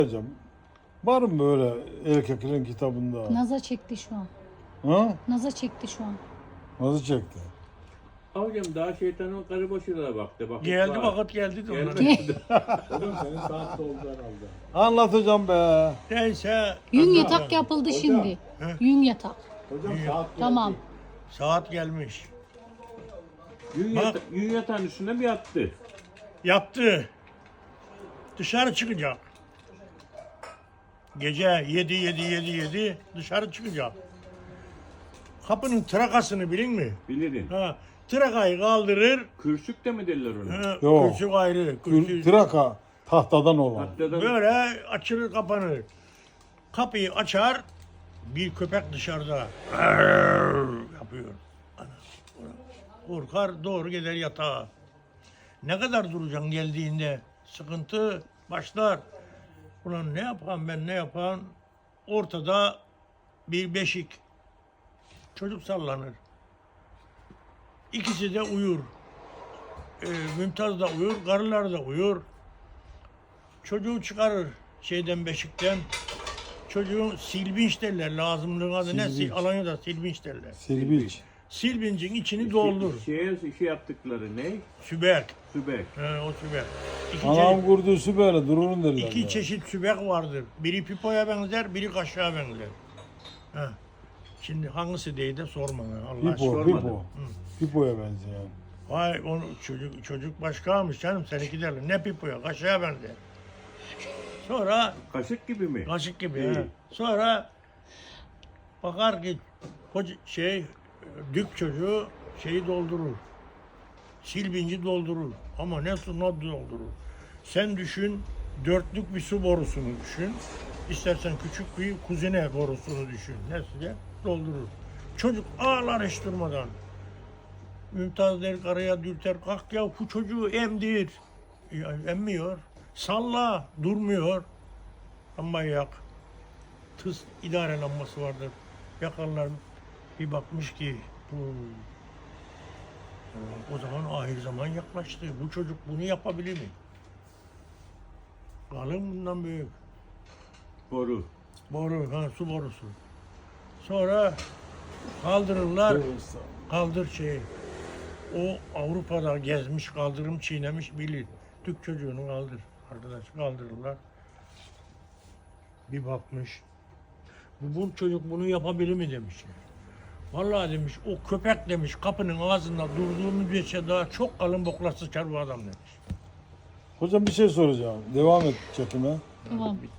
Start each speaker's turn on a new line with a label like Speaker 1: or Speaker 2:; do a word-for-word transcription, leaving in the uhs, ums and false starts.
Speaker 1: Hocam, var mı böyle erkeklerin kitabında?
Speaker 2: Naza çekti şu an.
Speaker 1: Ha?
Speaker 2: Naza çekti şu an.
Speaker 1: Nasıl çekti?
Speaker 3: Hocam daha şeytanın karı başına baktı. Vakit
Speaker 4: Geldi
Speaker 3: var.
Speaker 4: vakit geldi de onlar.
Speaker 3: Gelmedi. Hocam senin saat doldu herhalde.
Speaker 1: Anlat hocam be.
Speaker 4: Neyse.
Speaker 2: Yün
Speaker 4: Allah
Speaker 2: yatak
Speaker 4: Allah.
Speaker 2: yapıldı
Speaker 3: Hocam.
Speaker 2: şimdi.
Speaker 4: He?
Speaker 2: Yün yatak.
Speaker 3: Hocam saat geldi.
Speaker 2: Tamam.
Speaker 4: Saat gelmiş.
Speaker 3: Yün,
Speaker 4: Bak.
Speaker 3: yata yün yatağın üstüne bir yattı.
Speaker 4: Yattı. Dışarı çıkacak. Gece yedi yedi yedi yedi dışarı çıkacak. Kapının trakasını bilin mi?
Speaker 3: Bilirim.
Speaker 4: Ha, trakayı kaldırır.
Speaker 3: Kürsük de mi derler ona?
Speaker 4: Ha,
Speaker 1: Yok.
Speaker 4: kürsü ayrı.
Speaker 1: Tür-
Speaker 4: Kürsü
Speaker 1: Traka tahtadan olan.
Speaker 3: Hatta
Speaker 4: böyle açılır kapanır. Kapıyı açar. Bir köpek dışarıda yapıyor. Ana, korkar doğru gider yatağa. Ne kadar duracaksın geldiğinde? Sıkıntı başlar. Ulan ne yapayım ben ne yapayım? Ortada bir beşik. Çocuk sallanır. İkisi de uyur. Ee, Mümtaz da uyur, karılar da uyur. Çocuğu çıkarır şeyden beşikten. Çocuğun silbinç derler. Lazımlığın adı ne?
Speaker 1: Silbinç.
Speaker 4: Sil- Alanya'da silbinç derler.
Speaker 1: Silbiç.
Speaker 4: Silbincin içini doldur.
Speaker 3: Şeye şey yaptıkları ne?
Speaker 4: Sübek.
Speaker 3: Sübek.
Speaker 4: He, o sübek. İki,
Speaker 1: Anam
Speaker 4: çe-
Speaker 1: kurdusu böyle dururun derler.
Speaker 4: iki
Speaker 1: ya.
Speaker 4: çeşit sübek vardır. Biri pipoya benzer, biri kaşığa benzer. He. Şimdi hangisi değil de sorma. ya, Allah
Speaker 1: Pipo,
Speaker 4: aşkına.
Speaker 3: sormadım.
Speaker 1: pipo. Pipoya benzeyen.
Speaker 4: Vay onu çocuk çocuk başkaymış canım seninki derler. Ne pipoya kaşığa benzer. Sonra
Speaker 3: Kaşık gibi mi?
Speaker 4: kaşık gibi.
Speaker 3: İyi.
Speaker 4: he. Sonra bakar ki koca, şey dük çocuğu şeyi doldurur. Silbinci doldurur. Ama ne su ne doldurur. Sen düşün dörtlük bir su borusunu düşün. İstersen küçük bir kuzine borusunu düşün. Neyse doldurur. Çocuk ağlar hiç durmadan. Mümtaz der karıya dürter kalk ya bu çocuğu emdir. Ya, emmiyor. Salla durmuyor. Ama yak. Tıs idare lambası vardır. Yakarlar bir bakmış ki bu o zaman ahir zaman yaklaştı. Bu çocuk bunu yapabilir mi? Kalın bundan büyük.
Speaker 3: Boru.
Speaker 4: Boru, ha, su borusu. Sonra kaldırırlar, kaldır şeyi. O Avrupa'da gezmiş, kaldırım çiğnemiş bilir. Türk çocuğunu kaldır. Arkadaş kaldırırlar. Bir bakmış. Bu, bu çocuk bunu yapabilir mi demiş. Vallahi demiş o köpek demiş kapının ağzında durduğu müddetçe daha çok kalın bokla sıçar bu adam demiş.
Speaker 1: Hocam bir şey soracağım. Devam et çekime.
Speaker 2: Tamam.